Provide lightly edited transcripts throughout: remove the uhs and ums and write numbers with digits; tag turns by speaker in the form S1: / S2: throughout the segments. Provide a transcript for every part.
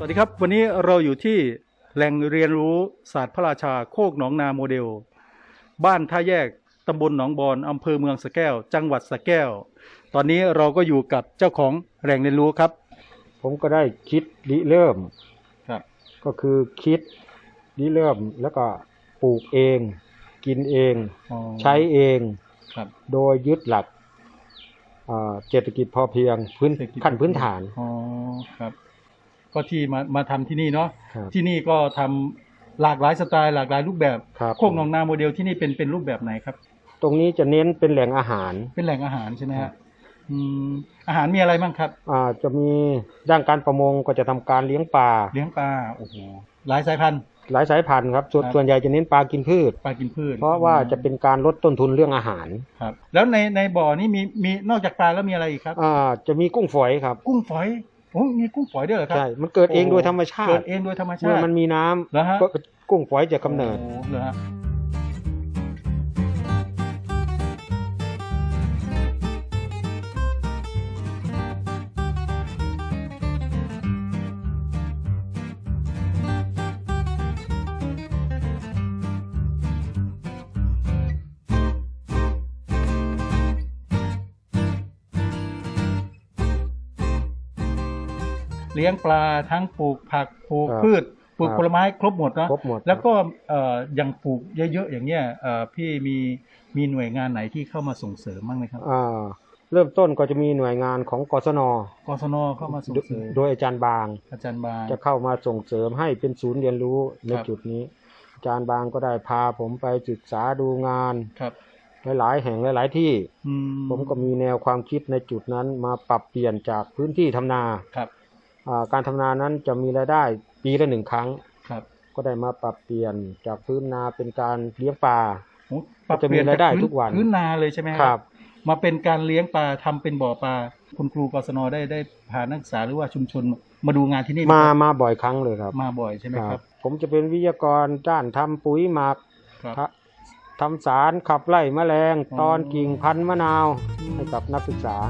S1: วัสดีครับวันนี้เราอยู่ที่แหล่งเรียนรู้ศาสตร์พระราชาโคกหนองนาโมเดลบ้านท่าแยกตำบลหนองบอนอำเภอเมืองสระแก้วจังหวัดสระแก้วตอนนี้เราก็อยู่กับเจ้าของแหล่งเรียนรู้ครับ
S2: ผมก็ได้คิดริเริ่ม
S1: ครับ
S2: ก็คือคิดริเริ่มแล้วก็ปลูกเองกินเองใช้เอง
S1: ครับ
S2: โดยยึดหลักเศรษฐกิจพอเพียงขั้นพื้นฐาน
S1: อ๋อครับก็ที่มาทำที่นี่เนาะที่นี่ก็ทำหลากหลายสไตล์หลากหลายรูปแบบโคกหนองนาโมเดลที่นี่เป็นรูปแบบไหนครับ
S2: ตรงนี้จะเน้นเป็นแหล่งอาหาร
S1: เป็นแหล่งอาหารใช่ไหมฮะอาหารมีอะไรบ้างครับ
S2: จะมีด้านการประมงก็จะทำการเลี้ยงปลา
S1: โอ้โหหลายสายพันธุ์
S2: ครับส่วนใหญ่จะเน้นปลากินพืชเพราะว่าจะเป็นการลดต้นทุนเรื่องอาหาร
S1: ครับแล้วในบ่อนี้มีนอกจากปลาแล้วมีอะไรอีกครับ
S2: จะมีกุ้งฝอยครับ
S1: กุ้งฝอยโอ้มีกุ้งฝอยด้วยเหรอครับ
S2: ใช่มันเกิดเองโดยธรรมชาติ
S1: เกิดเองโดยธรรมชาติ
S2: เมื่อมันมีน้ำก็กุ้งฝอยจะกำเนิด
S1: เหรอฮะเลี้ยงปลาทั้งปลูกผักปลูกพืชปลูกผลไม้ครบหมดเนาะแล้วก็อย่างปลูกเยอะๆอย่างเงี้ยพี่มีหน่วยงานไหนที่เข้ามาส่งเสริมบ้างไหมครับ
S2: เริ่มต้นก็จะมีหน่วยงานของกศน
S1: เข้ามาส่งเสริม
S2: โดยอาจารย์บางจะเข้ามาส่งเสริมให้เป็นศูนย์เรียนรู้ในจุดนี้อาจารย์บางก็ได้พาผมไปศึกษาดูงานหลายแห่งหลายที่ผมก็มีแนวความคิดในจุดนั้นมาปรับเปลี่ยนจากพื้นที่ทำนาการทำนานั้นจะมีรายได้ปีละ1 ครั้งก็ได้มาปรับเปลี่ยนจากพื้นนาเป็นการเลี้ยงปลา
S1: จะมีรายได้ทุกวันพื้นนาเลยใช่ไหมครับมาเป็นการเลี้ยงปลาทำเป็นบ่อปลาคุณครูกศนได้พานักศึกษาหรือว่าชุมชนมาดูงานที่นี่
S2: มาบ่อยครั้งเลยครับ
S1: มาบ่อยใช่ไหมครับ
S2: ผมจะเป็นวิทยากรด้านทำปุ๋ยหมักทำสารขับไล่แมลงตอนกิ่งพันธุ์มะนาวให้กับนักศึกษา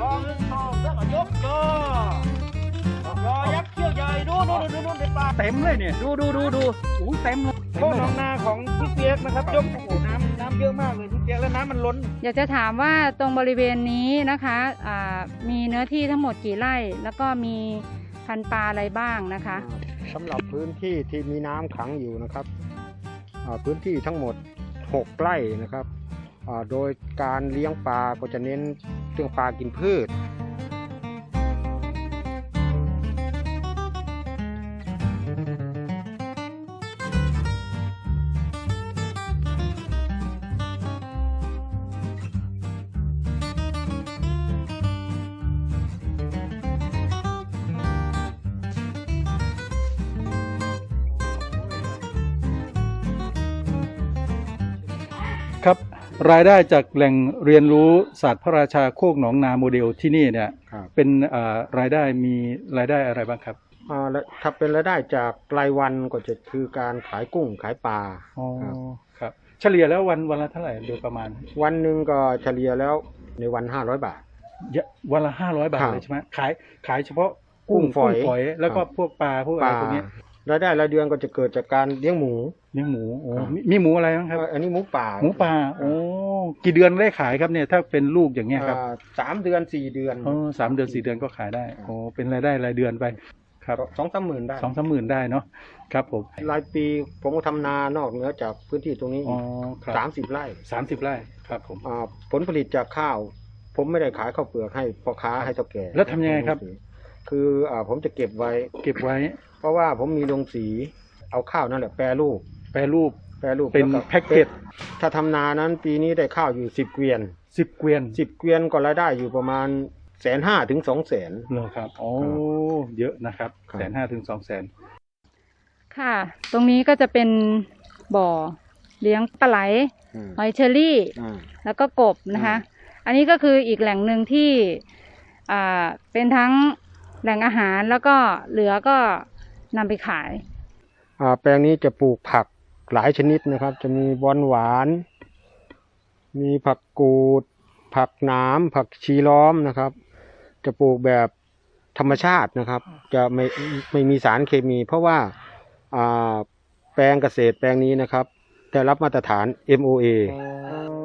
S1: ยักษ์เขี้ยวใหญ่ดูในปลาเต็มเลยเนี่ยดูอู้เต็มเลยโคกหนองนาของพี่เปียกนะครับยกโอ้โหน้ำเยอะมากเลยพี่เปียกแล้วน้ำมันล้น
S3: อยากจะถามว่าตรงบริเวณนี้นะคะมีเนื้อที่ทั้งหมดกี่ไร่แล้วก็มีพันธุ์ปลาอะไรบ้างนะคะ
S2: สำหรับพื้นที่ที่มีน้ำขังอยู่นะครับพื้นที่ทั้งหมด6 ไร่นะครับโดยการเลี้ยงปลาก็จะเน้นเรื่องปลากินพืช
S1: ครับรายได้จากแหล่งเรียนรู้ศาสตร์พระราชาโคกหนองนาโมเดลที่นี่เนี่ยเป็นรายได้มีรายได้อะไรบ้างครับ
S2: ถ้าเป็นรายได้จากรายวันก็จะคือการขายกุ้งขายปลา
S1: ครับเฉลี่ยแล้ววันละเท่าไหร่โดยประมาณ
S2: วันหนึ่งก็เฉลี่ยแล้วในวัน500 บาท
S1: วันละ500 บาทเลยใช่ไหมขายเฉพาะกุ้งฝอยแล้วก็พวกปลาพวกอะไรพวกนี้
S2: รายได้รายเดือนก็จะเกิดจากการเลี้ยงหมู
S1: โอ้มีหมูอะไรบ้างครับ
S2: อันนี้หมูป่า
S1: โอ้กี่เดือนได้ขายครับเนี่ยถ้าเป็นลูกอย่างเงี้ยครับ
S2: 3 เดือน 4 เดือน
S1: 3 เดือน 4 เดือนก็ขายได้โอ้เป็นรายได้รายเดือนไปครับ
S2: 2-3 หมื่นได้
S1: 2-3 หมื่นได้เนาะครับผม
S2: รายปีผมก็ทำนานอกเหนือจากพื้นที่ตรงนี้30 ไร่
S1: ครับผม
S2: ผลผลิตจากข้าวผมไม่ได้ขายข้าวเปลือกให้พ่อค้าให้เฒ่าแก่
S1: แล้วทำยังไงครับ
S2: คือผมจะเก็บไว้เพราะว่าผมมีโรงสีเอาข้าวนั่นแหละแปรรูป
S1: เป็นแพ็คเกจ
S2: ถ้าทำนานั้นปีนี้ได้ข้าวอยู่10 เกวียนก็รายได้อยู่ประมาณ150,000 ถึง 200,000
S1: เลยครับโอ้เยอะนะครับ150,000 ถึง 200,000
S3: ค่ะตรงนี้ก็จะเป็นบ่อเลี้ยงปลาไหลหอยเชอรี่แล้วก็กบนะคะอันนี้ก็คืออีกแหล่งหนึ่งที่เป็นทั้งแหล่งอาหารแล้วก็เหลือก็นำไปขาย
S2: แปลงนี้จะปลูกผักหลายชนิดนะครับจะมีบอนหวานมีผักกูดผักหนามผักชีล้อมนะครับจะปลูกแบบธรรมชาตินะครับ จะไม่มีสารเคมี เพราะว่าแปลงเกษตรแปลงนี้นะครับได้รับมาตรฐาน MOA